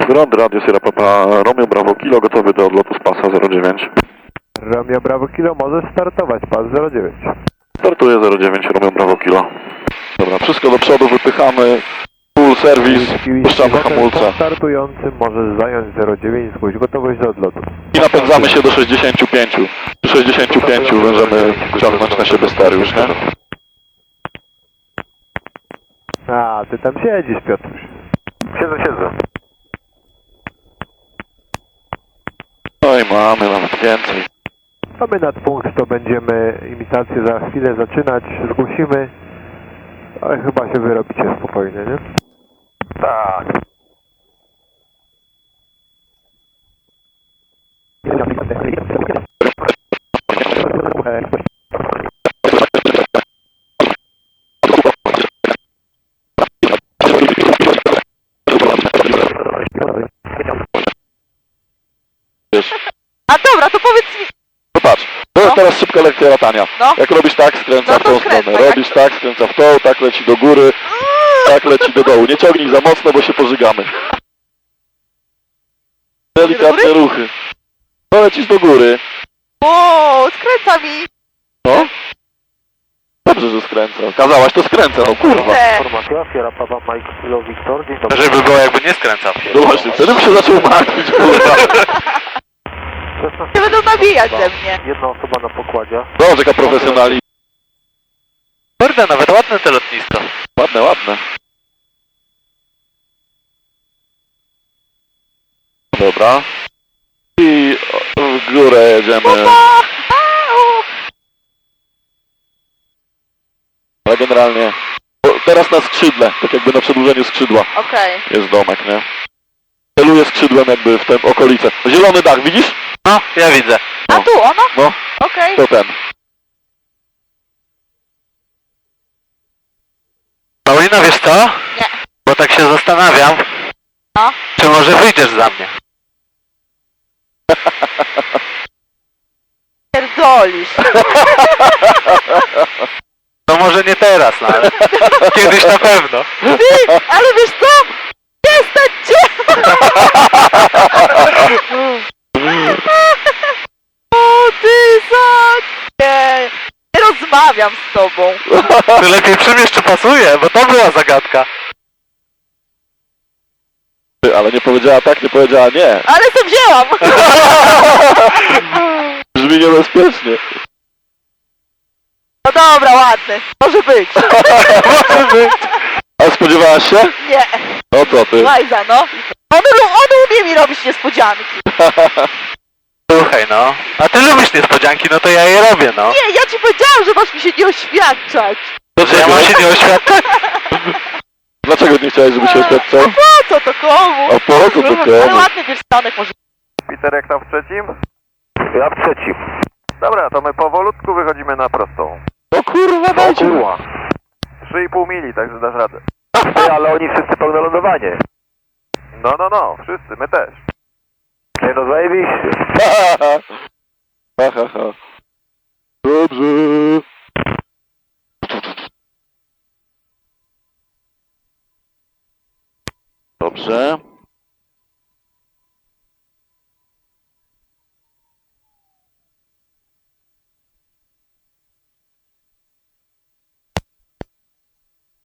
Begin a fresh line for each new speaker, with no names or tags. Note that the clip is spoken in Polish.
Grond Radio Sierra Papa Romeo Bravo Kilo, gotowy do odlotu z pasa 09.
Romeo Bravo Kilo, możesz startować, pas 09.
Startuje 09 Romeo Bravo Kilo. Dobra, wszystko do przodu, wypychamy. Full service, puszczamy hamulce.
Startujący możesz zająć 09, zgłoś gotowość do odlotu.
I napędzamy się do 65. Przy 65 będziemy ciągnąć na siebie stery już, nie?
A, ty tam siedzisz, Piotruś. Siedzę.
No i mamy nawet więcej.
A my nadpunkt to będziemy imitację za chwilę zaczynać, zgłosimy. Ale chyba się wyrobicie spokojnie, nie? Tak.
A dobra, to powiedz mi.
No patrz, to jest teraz szybka lekcja latania.
No.
Jak robisz tak, skręca
No
w
to
tą
skręcaj,
stronę. Robisz tak, skręca w tą, tak leci do góry, tak leci do dołu. Nie ciągnij za mocno, bo się pożygamy. Delikatne ruchy. No lecisz do góry.
O, skręca mi.
No. Dobrze, że skręca. Kazałaś, to skręca, no kurwa.
Te.
Informacja, Sierra Papa Mike Kilo Victor, dzień dobry.
Żeby było jakby nie skręcał.
No właśnie, wtedy bym się zaczął martwić, kurwa.
Nie będą nabijać ze mnie.
Jedna osoba na pokładzie.
Dobrze, jaka profesjonali.
Kurde, nawet ładne te lotnisko.
Ładne, ładne. Dobra. I w górę jedziemy. Ale generalnie teraz na skrzydle, tak jakby na przedłużeniu skrzydła
Okej.
jest domek, nie? Celuję skrzydłem jakby w tę okolicę. Zielony dach, widzisz?
No, ja widzę.
A tu ono?
No,
Okej.
to ten.
Paulina, wiesz co?
Nie.
Bo tak się zastanawiam,
No.
czy może wyjdziesz za mnie.
Pierdolisz.
No może nie teraz, no ale kiedyś na pewno.
Ty, ale wiesz co? Przestań cię! O, ty za... Nie. Nie rozmawiam z tobą.
Ty lepiej przymierz, czy pasuje, bo to była zagadka.
Ty, ale nie powiedziała tak, nie powiedziała nie.
Ale to wzięłam.
Brzmi niebezpiecznie.
No dobra, ładny. Może być.
A spodziewałaś się?
Nie.
No co ty?
Łajza, no. On umie mi robić niespodzianki.
Słuchaj, no. A ty lubisz niespodzianki, no to ja je robię, no.
Nie, ja ci powiedziałam, że masz mi się nie oświadczać.
Że ja mam się nie oświadczać?
Dlaczego nie chciałeś, żeby się oświadczał?
A po co to komu?
A po co to
Ale
komu?
ładny pierścionek może.
Peter, jak tam w trzecim? Ja w trzecim. Dobra, to my powolutku wychodzimy na prostą.
No kurwa, dajcie.
3,5 mili, także dasz radę. Ale oni wszyscy pełne lądowanie. No, wszyscy, my też. Nie no, zajebiście.
Ha, ha, ha. Dobrze. Dobrze.